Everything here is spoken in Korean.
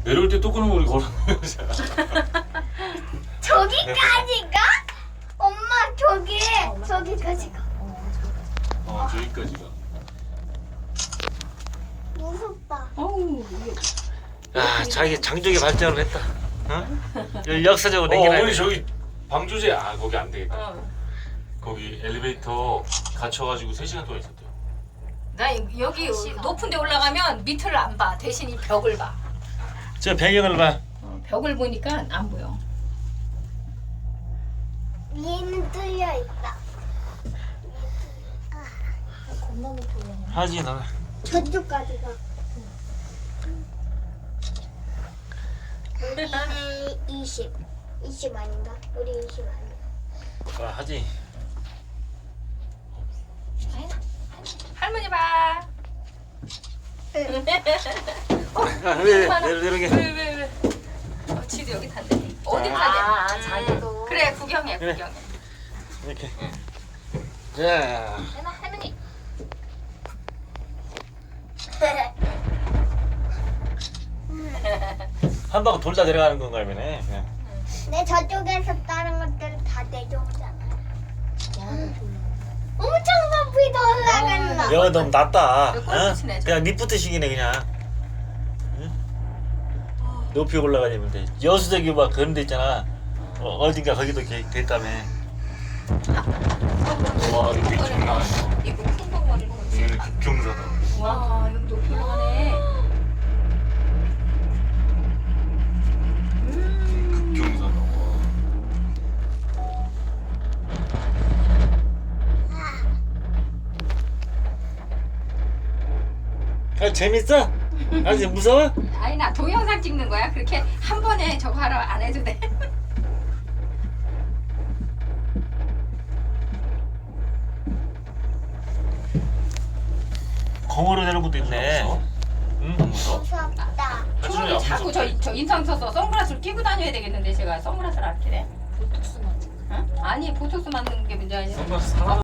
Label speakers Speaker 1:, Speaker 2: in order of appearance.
Speaker 1: 내려올 때 또 끊으면 우리 걸어내는 거잖아.
Speaker 2: 저기까지 가? 엄마 저기까지 가.
Speaker 1: 저기까지 가.
Speaker 2: 무섭다.
Speaker 3: 어우
Speaker 4: 아, 자기 장족의 발전을 했다. 어? 역사적으로 댕기나.
Speaker 1: 어머니 저기 방조제 거기 안 되겠다.
Speaker 3: 어.
Speaker 1: 거기 엘리베이터 갇혀가지고 3시간 동안 있었대요.
Speaker 3: 나 여기 높은 데 올라가면 밑을 안 봐. 대신 이 벽을 봐.
Speaker 4: 저 배경을 봐.
Speaker 3: 벽을 보니까 안 보여.
Speaker 2: 위에는 뚫려 있다. 겁나 높아.
Speaker 4: 하지 너.
Speaker 2: 저쪽까지 가. 우리 20 아닌가? 우리 20 아닌가?
Speaker 4: 하지.
Speaker 3: 할머니 봐.
Speaker 4: 왜 내려게.
Speaker 3: 왜? 지도 여기 탄대. 어디 탄대?
Speaker 2: 자기도.
Speaker 3: 그래 구경해
Speaker 4: 그래.
Speaker 3: 구경해.
Speaker 4: 이렇게. 자,
Speaker 3: 할머니.
Speaker 4: 한 바퀴 돌다 내려가는 건가 보네. 그냥.
Speaker 2: 내 저쪽에서 다른 것들 다 내려오잖아요. 엄청 높이 더 올라간다.
Speaker 4: 여기 너무 낮다.
Speaker 3: 이거 꼴찌네,
Speaker 4: 그냥 리프트식이네 그냥. 응? 높이 올라가려면 돼. 여수저기 막 그런 데 있잖아. 어딘가 거기도 돼 있다며.
Speaker 1: 와 이게 장난 아니야.
Speaker 3: 이거 쿵쿵거리는 거.
Speaker 1: 여기는 급경사다.
Speaker 3: 와 여기 높이 올라가네.
Speaker 1: 급경사다.
Speaker 4: 재밌어? 아직 무서워?
Speaker 3: 아니 나 동영상 찍는 거야. 그렇게 한 번에 저거 하라 안 해도 돼.
Speaker 4: 공으로 내는 것도 있네.
Speaker 1: 무서워?
Speaker 4: 응?
Speaker 1: 안 무서워?
Speaker 2: 무섭다.
Speaker 1: 하준이 안
Speaker 3: 자꾸
Speaker 1: 무섭지?
Speaker 3: 저 인상 써서 선글라스를 끼고 다녀야 되겠는데 제가 선글라스를 안 끼네.
Speaker 2: 보톡스 맞아.
Speaker 3: 응? 아니 보톡스 맞는 게 문제 아니야.
Speaker 1: 선글라스 사람